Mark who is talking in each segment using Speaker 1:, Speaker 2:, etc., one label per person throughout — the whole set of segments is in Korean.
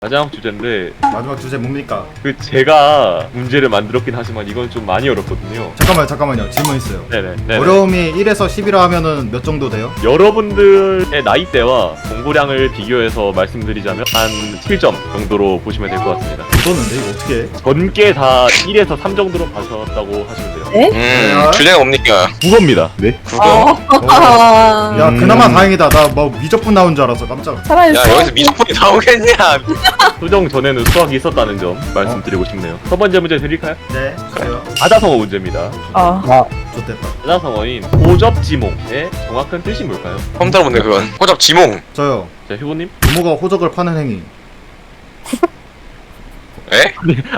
Speaker 1: 마지막 주제인데
Speaker 2: 마지막 주제 뭡니까?
Speaker 1: 그 제가 문제를 만들었긴 하지만 이건 좀 많이 어렵거든요.
Speaker 2: 잠깐만요. 질문 있어요.
Speaker 1: 네네.
Speaker 2: 어려움이 1에서 10이라 하면은 몇 정도 돼요?
Speaker 1: 여러분들의 나이대와 공부량을 비교해서 말씀드리자면 한 7점 정도로 보시면 될 것 같습니다.
Speaker 2: 묻었는데 이거 어떻게 해?
Speaker 1: 전께 다 1에서 3 정도로 봐셨다고 하시면 돼요.
Speaker 2: 네?
Speaker 3: 주제가 뭡니까?
Speaker 1: 국어입니다. 네.
Speaker 4: 아,
Speaker 2: 야 그나마 다행이다. 나 뭐 미적분 나온 줄 알았어. 깜짝.
Speaker 4: 차라리
Speaker 3: 야 여기서 미적분이 나오겠냐?
Speaker 1: 수정 전에는 수학이 있었다는 점 말씀드리고 싶네요. 첫 번째 문제 드릴까요?
Speaker 2: 네. 주세요.
Speaker 1: 사자성어 문제입니다.
Speaker 2: 좋됐다.
Speaker 1: 사자성어인 호접지몽의 정확한 뜻이 뭘까요?
Speaker 3: 처음 들어본데 그건 호접 지몽.
Speaker 2: 저요.
Speaker 1: 자, 휴보님?
Speaker 2: 부모가 호적을 파는 행위.
Speaker 3: 에?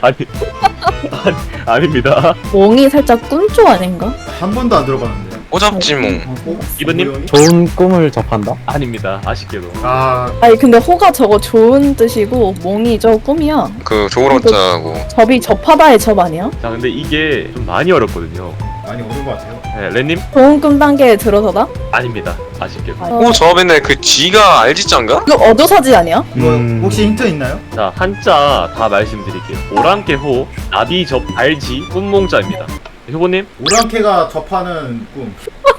Speaker 1: 아닙니다.
Speaker 4: 몽이 살짝 꿈조 아닌가?
Speaker 2: 한 번도 안 들어봤는데.
Speaker 3: 호접 지몽.
Speaker 1: 이분님?
Speaker 5: 좋은 꿈을 접한다?
Speaker 1: 아닙니다. 아쉽게도.
Speaker 2: 아
Speaker 4: 아니 근데 호가 저거 좋은 뜻이고 몽이 저 꿈이야.
Speaker 3: 그 조그럽자고.
Speaker 4: 접이 접하다의 접 아니야?
Speaker 1: 자, 근데 이게 좀 많이 어렵거든요.
Speaker 2: 많이 어려운 것 같아요.
Speaker 1: 네, 렌님?
Speaker 4: 좋은 꿈 단계에 들어서다?
Speaker 1: 아닙니다. 아쉽게도.
Speaker 3: 호접인데 그 지가 알지자인가?
Speaker 4: 이거 어조사지 아니야?
Speaker 2: 이거 혹시 힌트 있나요?
Speaker 1: 자, 한자 다 말씀드릴게요. 오랑캐호, 나비접, 알지, 꿈몽자입니다. 효보님?
Speaker 2: 오랑캐가 접하는 꿈.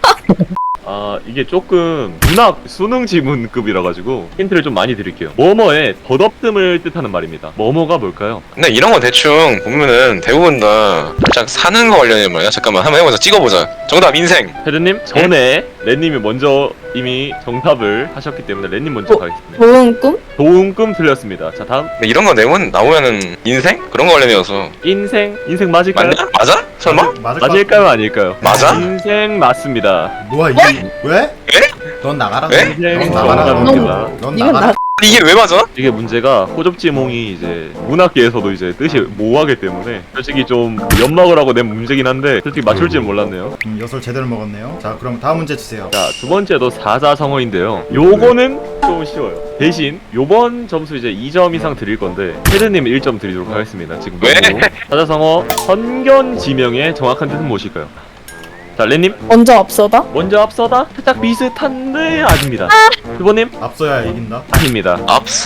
Speaker 1: 아, 이게 조금 문학 수능 지문급이라 가지고 힌트를 좀 많이 드릴게요. 뭐뭐의 덧없음을 뜻하는 말입니다. 뭐뭐가 뭘까요?
Speaker 3: 근데 이런 거 대충 보면은 대부분 다 살짝 사는 거 관련된 말이야. 잠깐만 한번 해보자. 찍어보자. 정답 인생.
Speaker 1: 헤드님 전에 렌님이 먼저 이미 정답을 하셨기 때문에 렌님 먼저 가겠습니다.
Speaker 4: 좋은 꿈?
Speaker 1: 좋은 꿈 틀렸습니다. 자, 다음
Speaker 3: 근데 이런 거 내면 나오면은 인생? 그런 거 관련이어서
Speaker 1: 인생 맞을까요?
Speaker 3: 맞냐? 맞아? 설마?
Speaker 2: 맞을 것
Speaker 1: 맞을까요? 아닐까요?
Speaker 3: 맞아?
Speaker 1: 인생 맞습니다.
Speaker 2: 뭐야 이게? 왜?
Speaker 3: 에?
Speaker 2: 넌 나가라.
Speaker 3: 에?
Speaker 1: 인생
Speaker 2: 넌 나가라.
Speaker 1: 정답입니다.
Speaker 2: 넌
Speaker 4: 이건
Speaker 2: 나가라.
Speaker 4: 나
Speaker 3: 이게 왜 맞아?
Speaker 1: 이게 문제가 호접지몽이 이제 문학계에서도 이제 뜻이 모호하기 때문에 솔직히 좀 연막을 하고 낸 문제긴 한데 솔직히 맞출지는 몰랐네요.
Speaker 2: 엿을 제대로 먹었네요. 자 그럼 다음 문제 주세요.
Speaker 1: 자, 두 번째도 사자성어인데요. 요거는 좀 쉬워요. 대신 요번 점수 이제 2점 이상 드릴 건데 헤드님 1점 드리도록 하겠습니다. 지금
Speaker 3: 왜?
Speaker 1: 사자성어 선견지명의 정확한 뜻은 무엇일까요? 자, 렌님
Speaker 4: 먼저 앞서다?
Speaker 1: 먼저 앞서다 살짝 비슷한데 아닙니다. 휴보님
Speaker 2: 앞서야 이긴다.
Speaker 1: 아닙니다.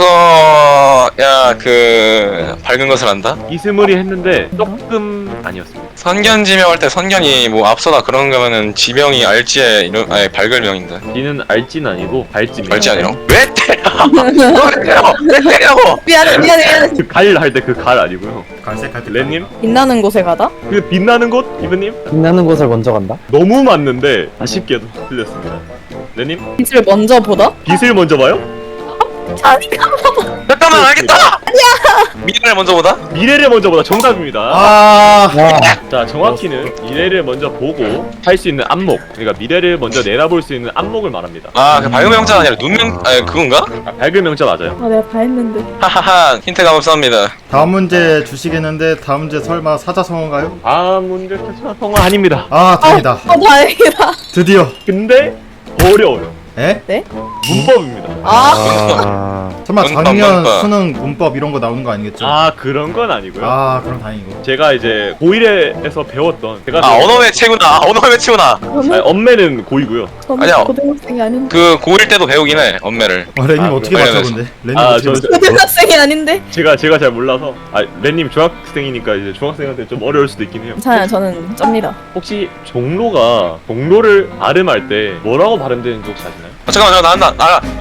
Speaker 3: 앞서야 그 밝은 것을 안다?
Speaker 1: 이스물이 했는데 조금 아니었습니다.
Speaker 3: 선견지명 할 때 선견이 뭐 앞서다 그런 거면은 지명이 알지의 이런 아니 발글명인데.
Speaker 1: D는 알지는 아니고 발지입니다.
Speaker 3: 알지 아니라? 왜 때려? 왜 때려? 왜 때려고?
Speaker 4: 미안해.
Speaker 1: 갈 할 때 그 갈 아니고요.
Speaker 2: 갈색할 때.
Speaker 1: 렌님
Speaker 4: 빛나는 곳에 가다?
Speaker 1: 그 빛나는 곳 이브님
Speaker 5: 빛나는 곳을 먼저 간다?
Speaker 1: 너무 맞는데 아쉽게도 틀렸습니다. 렌님
Speaker 4: 빛을 먼저 보다?
Speaker 1: 빛을 먼저 봐요?
Speaker 4: 아니가
Speaker 3: 잠깐만 알겠다. 아니야. 미래를 먼저 보다?
Speaker 1: 미래를 먼저 보다 정답입니다.
Speaker 2: 아
Speaker 1: 자, 정확히는 미래를 먼저 보고 할 수 있는 안목, 그러니까 미래를 먼저 내다볼 수 있는 안목을 말합니다.
Speaker 3: 아 그 밝은 명자가 아니라 눈명 아니 그건가?
Speaker 1: 아, 밝은 명자 맞아요.
Speaker 4: 아 내가 다 했는데
Speaker 3: 하하하 힌트가 없습니다.
Speaker 2: 다음 문제 주시겠는데 다음 문제 설마 사자성어인가요?
Speaker 1: 아, 문제 사자성어 아닙니다.
Speaker 2: 아 다행이다.
Speaker 4: 다행이다.
Speaker 2: 드디어.
Speaker 1: 근데 어려워요.
Speaker 2: 에?
Speaker 1: 문법입니다.
Speaker 2: 설마
Speaker 3: 문법,
Speaker 2: 작년
Speaker 3: 문법.
Speaker 2: 수능 문법 이런 거 나오는 거 아니겠죠?
Speaker 1: 아, 그런 건 아니고요.
Speaker 2: 그럼 다행이고.
Speaker 1: 제가 이제 고1에서 배웠던 제가
Speaker 3: 아 언어 매체구나. 언어 매체구나.
Speaker 1: 아니, 엄매는 고2고요.
Speaker 4: 저는
Speaker 3: 아니야.
Speaker 4: 고등학생이 아닌데.
Speaker 3: 그 고1 때도 배우긴 해 언매를.
Speaker 2: 렌님
Speaker 1: 아,
Speaker 2: 어떻게
Speaker 3: 그럼
Speaker 2: 맞춰 근데? 렌님
Speaker 1: 아,
Speaker 2: 어떻게 맞춰?
Speaker 4: 고등학생이 아닌데?
Speaker 1: 제가 잘 몰라서 렌님 중학생이니까 이제 중학생한테 좀 어려울 수도 있긴 해요.
Speaker 4: 괜찮아요. 저는 쩝니다.
Speaker 1: 혹시 종로를 발음할 때 뭐라고 발음되는지 혹시 아시나요?
Speaker 3: 잠깐만 나온다.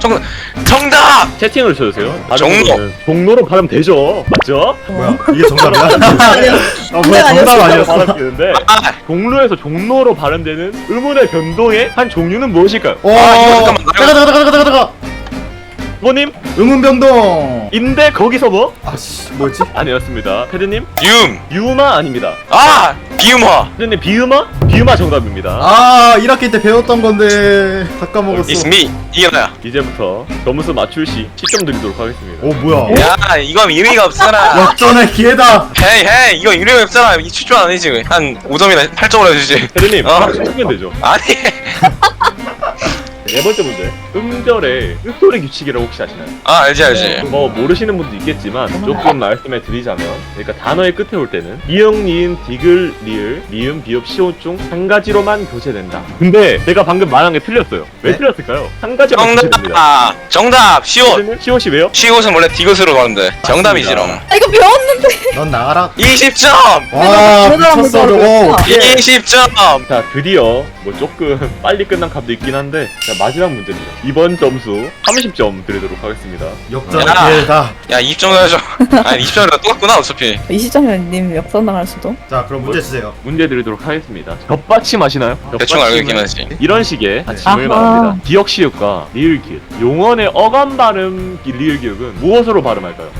Speaker 3: 정답.
Speaker 1: 채팅을 쳐주세요.
Speaker 3: 종로.
Speaker 1: 종로로 발음되죠. 맞죠?
Speaker 2: 뭐야 이게 정답이야?
Speaker 4: 아니요.
Speaker 2: 뭐야 정답 아니었어?
Speaker 1: 발음되는데
Speaker 3: 아
Speaker 1: 종로에서 종로로 발음되는 의문의 변동의 한 종류는 무엇일까요?
Speaker 2: 오
Speaker 3: 이거 잠깐만.
Speaker 2: 잠깐.
Speaker 1: 부모님
Speaker 2: 응은병동.
Speaker 1: 인데 거기서 뭐?
Speaker 2: 아씨 뭐였지?
Speaker 1: 아니었습니다. 패드님
Speaker 3: 유마.
Speaker 1: 아닙니다.
Speaker 3: 비음화.
Speaker 1: 패드님 비음화 정답입니다.
Speaker 2: 1학기 때 배웠던 건데 다 까먹었어.
Speaker 3: It's me. 이게 나야.
Speaker 1: 이제부터 점수 맞출 시 10점 드리도록 하겠습니다.
Speaker 2: 오 뭐야?
Speaker 3: 야 이거 의미가 없잖아.
Speaker 2: 역전의 기회다.
Speaker 3: 헤이 이거 의미가 없잖아. 이 추천 아니지. 한 5점이나 8점으로 해주지.
Speaker 1: 패드님
Speaker 3: 어.
Speaker 1: 치면 되죠.
Speaker 3: 아니
Speaker 1: 네 번째 문제. 음절의 끝소리 규칙이라고 혹시 아시나요?
Speaker 3: 아 알지.
Speaker 1: 뭐 모르시는 분도 있겠지만 조금 말씀해 드리자면, 그러니까 단어의 끝에 올 때는 미음, 니은, 디귿, 리을, 미음, 비읍, 시옷 중 한 가지로만 교체된다. 근데 제가 방금 말한 게 틀렸어요. 왜
Speaker 2: 네?
Speaker 1: 틀렸을까요? 한 가지로만 교체됩니다.
Speaker 3: 정답 시옷.
Speaker 1: 시옷이 왜요?
Speaker 3: 시옷은 원래 디귿으로 가는데 정답이지롱.
Speaker 4: 아 이거 배웠는데.
Speaker 2: 넌 나가라.
Speaker 3: 20점.
Speaker 2: 와 미쳤어 저거.
Speaker 3: 20점.
Speaker 1: 자, 드디어 뭐 조금 빨리 끝난 값도 있긴 한데, 자, 마지막 문제입니다. 이번 점수 30점 드리도록 하겠습니다.
Speaker 2: 역전의
Speaker 3: 야.
Speaker 2: 기회다.
Speaker 3: 야 20점 해줘. 아니 20점이랑 똑같구나 어차피.
Speaker 4: 20점이면 님 역전당할 수도.
Speaker 2: 자 그럼 문제 주세요.
Speaker 1: 문제 드리도록 하겠습니다. 겹받침 아시나요?
Speaker 3: 대충 알고 있긴
Speaker 1: 겹받침은
Speaker 3: 하지.
Speaker 1: 이런 식의 받침을
Speaker 4: 아하.
Speaker 1: 말합니다. 기역 시읒과 리을 기읒. 용언의 어감 발음 리을 기읒은 무엇으로 발음할까요?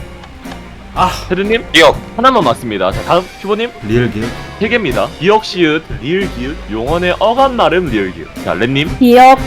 Speaker 1: 헤드님
Speaker 3: 기억.
Speaker 1: 하나만 맞습니다. 자, 다음 큐버님
Speaker 2: 리을 기획.
Speaker 1: 3개입니다. 기역 시읒, 리을 기읒, 용언의 어감 발음 리을 기읒. 자, 렌님
Speaker 4: 기억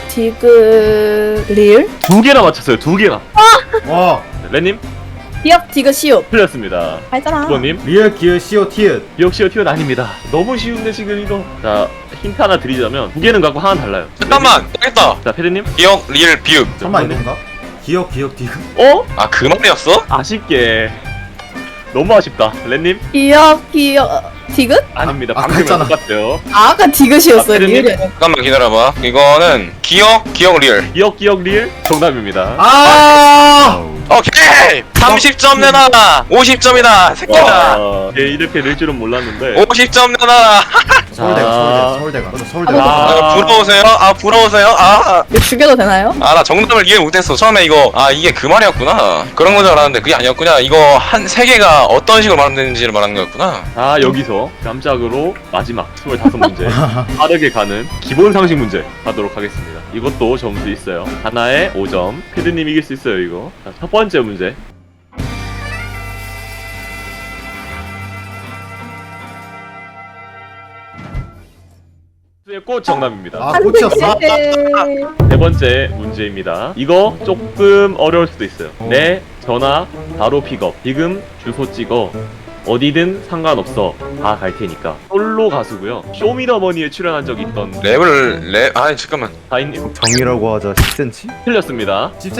Speaker 4: 디귿 리을.
Speaker 1: 2개나 맞췄어요. 2개나.
Speaker 2: 와
Speaker 1: 렌님
Speaker 4: 기억 디귿 시옷.
Speaker 1: 틀렸습니다.
Speaker 4: 알잖아.
Speaker 1: 큐버님
Speaker 2: 리을 기획 시오 티읕.
Speaker 1: 기역 시읒 티읒 아닙니다. 너무 쉬운데 지금 이거. 자, 힌트 하나 드리자면 2개는 갖고 하나는 달라요.
Speaker 3: 잠깐만. 알겠다.
Speaker 1: 자, 페드님
Speaker 3: 기억 리을 비읍.
Speaker 2: 설마 이건가? 기억 디귿.
Speaker 1: 어?
Speaker 3: 아 그 말이었어?
Speaker 1: 아쉽게 너무 아쉽다. 렌님
Speaker 4: 기억 디귿?
Speaker 1: 아닙니다.
Speaker 2: 아,
Speaker 1: 방금이랑
Speaker 2: 했잖아.
Speaker 1: 똑같아요.
Speaker 4: 아, 아까 디귿이었어요.
Speaker 1: 아,
Speaker 4: 리을이
Speaker 1: 그랬니?
Speaker 4: 아니라.
Speaker 3: 잠깐만 기다려봐. 이거는 기억 리을.
Speaker 1: 기억 리을 정답입니다.
Speaker 2: 아.
Speaker 3: 오케이. 30점 내놔. 50점이다. 새끼다.
Speaker 1: 와, 예, 이렇게 될 줄은 몰랐는데.
Speaker 3: 50점 내놔.
Speaker 2: 서울대가. 서울대가.
Speaker 3: 아, 부러우세요? 아 부러우세요?
Speaker 4: 이거 죽여도 되나요?
Speaker 3: 아 나 정답을 이해 못했어. 처음에 이거 이게 그 말이었구나. 그런 건 줄 알았는데 그게 아니었구나. 이거 한 세 개가 어떤 식으로 말하는지를 말하는 거였구나.
Speaker 1: 자, 여기서 깜짝으로 마지막 25문제 빠르게 가는 기본 상식 문제 하도록 하겠습니다. 이것도 점수 있어요. 하나에 5점. 피드님 이길 수 있어요, 이거. 자, 첫 번째 문제. 수의 꽃 정답입니다.
Speaker 2: 아 꽃이었어.
Speaker 1: 세 번째 문제입니다. 이거 조금 어려울 수도 있어요. 내 전화 바로 픽업. 지금 주소 찍어. 어디든 상관없어. 다 갈 테니까. 솔로 가수고요. 쇼미더머니에 출연한 적이 있던
Speaker 3: 랩을 잠깐만.
Speaker 1: 다인님
Speaker 2: 정이라고 하자 10cm?
Speaker 1: 틀렸습니다.